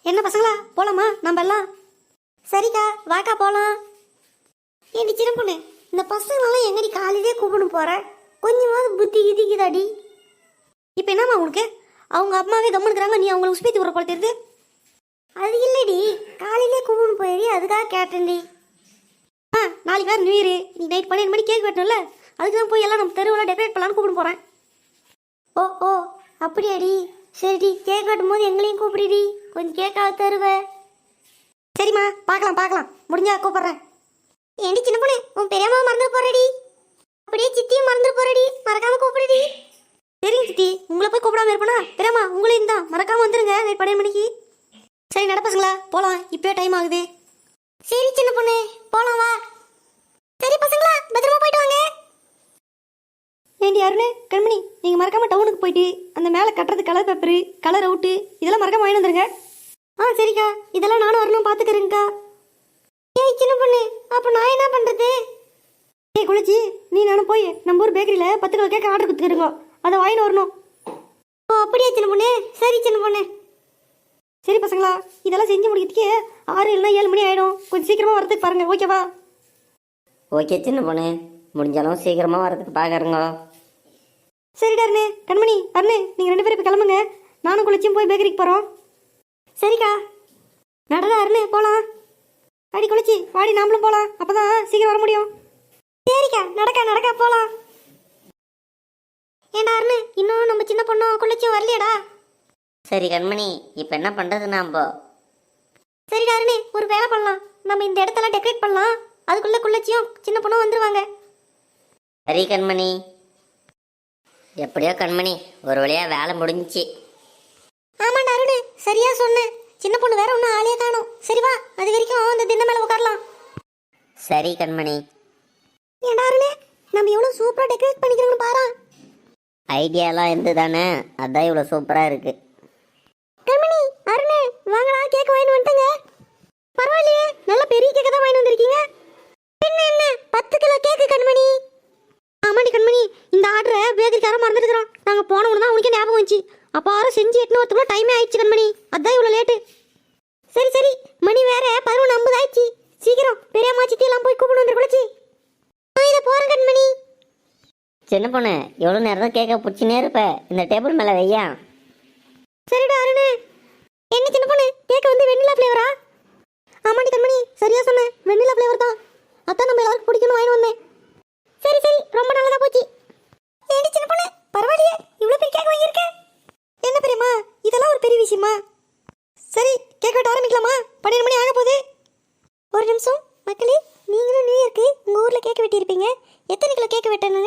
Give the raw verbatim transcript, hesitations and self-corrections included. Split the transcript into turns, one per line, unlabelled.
என்ன பசங்களா போலாமா நம்ம எல்லாம்? சரிக்கா வாக்கா போலாம். ஏடி சின்ன பொண்ணு, இந்த பசங்களெல்லாம் எங்கடி காலையிலே கூப்பிட்டு போற? கொஞ்சமாவது புத்தி கிதிக்குதாடி. இப்போ என்னம்மா உனக்கு? அவங்க அம்மாவே கம்முனுக்குறாங்க, நீ அவங்களை உஸ்பேத்தி விட்ற போல தெரியுது. அது இல்லடி, காலையிலே கூப்பிட்டு போயிடி, அதுக்காக கேட்டேன்டி. ஆ நாளைக்கு வேறு நியூ இயரு, நீ நைட் பன்னெண்டு மணி கேக் வெட்டணும்ல, அதுக்கு தான் போய் எல்லாம் நம்ம தெருவில் டெக்கரேட் பண்ணலான்னு கூப்பிட்டு போகிறேன். ஓ ஓ அப்படியாடி, சரிடி. கேக் வெட்டும் போது எங்களையும் கூப்பிடுடி, கொஞ்சம் கேக்காக தருவேன். சரிம்மா, பார்க்கலாம் பார்க்கலாம், முடிஞ்சா கூப்பிட்றேன். ஏண்டி சின்ன பொண்ணு, உன் பெரியம்மா மறந்துட்டு போறடி, அப்படியே சித்தியும் மறந்துட்டு போறடி, மறக்காம கூப்பிடுடி. சரிங்க சித்தி, உங்களை போய் கூப்பிடாம இருப்பேனா? பெரியம்மா உங்களையும் தான் மறக்காம வந்துருங்க நைட் பன்னெண்டு மணிக்கு. சரி நடப்பசுங்களா, போகலாம், இப்போயே டைம் ஆகுது. சரி சின்ன பொண்ணு, போகலாம் வா. சரி பசங்களா, பத்திரமா போயிட்டு வாங்க. ஏண்டி அருணே, கண்மணி, நீங்கள் மறக்காம டவுனுக்கு போயிட்டு அந்த மேலே கட்டுறது கலர் பேப்பரு, கலர் அவுட்டு இதெல்லாம் மறக்காம வாங்கி வந்துருங்க. ஆ சரிக்கா, இதெல்லாம் நானும் வரணும் பார்த்துக்கிறேங்க்கா. ஏய் சின்ன பொண்ணு, அப்போ நான் என்ன பண்ணுறது? ஏய் குளிச்சி, நீ நானும் போய் நம்ம ஊர் பேக்கரியில் பத்து கிலோ கேட்க ஆர்டர் கொடுத்துக்கிறோங்க, அதை வாங்கிட்டு வரணும். ஓ அப்படியா சின்ன பொண்ணு, சரி சின்ன பொண்ணு. சரி பசங்களா, இதெல்லாம் செஞ்சு முடிக்கிறதுக்கே ஆறு இல்லைனா ஏழு மணி ஆகிடும், கொஞ்சம் சீக்கிரமாக வரதுக்கு பாருங்கள், ஓகேவா?
ஓகே சின்ன பொண்ணு, முடிஞ்சாலும் சீக்கிரமாக வரதுக்கு பார்க்குறேங்க.
சரிடா அருணே, கண்மணி அருணே, நீங்கள் ரெண்டு பேரும் இப்போ கிளம்புங்க, நானும் குளிச்சும் போய் பேக்கரிக்கு போகிறோம். சரிக்கா, நடடா அருணே போகலாம். அடி குளிச்சி வாடி, நாமளும் போகலாம், அப்போ தான் சீக்கிரம் வர முடியும். சரிக்கா, நடக்கா நடக்கா போகலாம். ஏண்டா அருணே, இன்னும் நம்ம சின்ன பொண்ணும் குளிச்சும் வரலையடா?
சரி கண்மணி, இப்போ என்ன பண்ணுறது நாம்ப?
சரிடா அருணே, ஒரு வேலை பண்ணலாம், நம்ம இந்த இடத்தெல்லாம் டெக்கரேட் பண்ணலாம், அதுக்குள்ளே குள்ளச்சியும் சின்ன பொண்ணும் வந்துருவாங்க.
சரி கண்மணி. எப்படியோ கண்மணி, ஒரு வழியாக வேலை முடிஞ்சிச்சு.
ஆமாண்டா அருணே, சரியா சொன்னேன். சின்ன பொண்ணு வேற ஒன்றும் ஆளே காணும். சரி வா, அது வரைக்கும் அந்த தின்ன மேலே உட்காரலாம்.
சரி கண்மணி.
ஏண்டா அருணே, நம்ம எவ்வளோ சூப்பராக டெக்கரேட் பண்ணிக்கிறோம்னு பாரு.
ஐடியாலாம் இருந்து தானே, அதான் இவ்வளோ சூப்பராக இருக்கு.
கண்மணி அருணே, வாங்கடா, கேக் வாங்கிட்டு வந்துட்டுங்க. பரவாயில்லையே, நல்ல பெரிய கேக்கு தான் வாங்கிட்டு வந்திருக்கீங்க. என்ன என்ன பத்து கிலோ கேக்கு கண்மணி? ஆமாடி கண்மணி, இந்த ஆர்டரை பேக்கரிக்காரன் மறந்துருக்கிறோம். நாங்கள் போனவங்க தான் உனக்கே ஞாபகம் வந்துச்சு. அப்போ ஆறு செஞ்சு எட்டுன்னு வரத்துக்குள்ள டைமே ஆயிடுச்சு கண்மணி, அதான் இவ்வளோ லேட்டு. சரி சரி, மணி வேற பதினொன்று ஐம்பது ஆயிடுச்சு, சீக்கிரம் பெரியம்மா சித்தி எல்லாம் போய் கூப்பிட்டு வந்து குளிச்சு. நான் இதை போகிறேன் கண்மணி.
சின்ன பொண்ணு, எவ்வளோ நேரம் தான் கேட்க பிடிச்சினே இருப்ப, இந்த டேபிள் மேலே வையா.
சரிடா அருணே. என்ன சின்ன பொண்ணு, கேக் வந்து வெண்ணிலா ஃப்ளேவரா? ஆமாடி கண்மணி, சரியா சொன்னேன், வெண்ணிலா ஃப்ளேவர் தான், அதான் நம்ம எல்லாருக்கும் பிடிக்கணும் வாங்கி வந்தேன். சரி சரி, ரொம்ப நல்லதா போச்சு. ஏண்டி சின்ன பொண்ணு, பரவாயில்லையே, இவ்வளோ பெரிய கேக் வாங்கியிருக்கேன். என்ன பெரியம்மா, இதெல்லாம் ஒரு பெரிய விஷயமா? சரி, கேக் வெட்ட ஆரம்பிக்கலாமா? பன்னெண்டு மணி ஆக போகுது. ஒரு நிமிஷம் மக்களே, நீங்களும் நியூ இயர்க்கு உங்கள் ஊரில் கேக் வெட்டியிருப்பீங்க, எத்தனை கிலோ கேக் வெட்டணுங்க?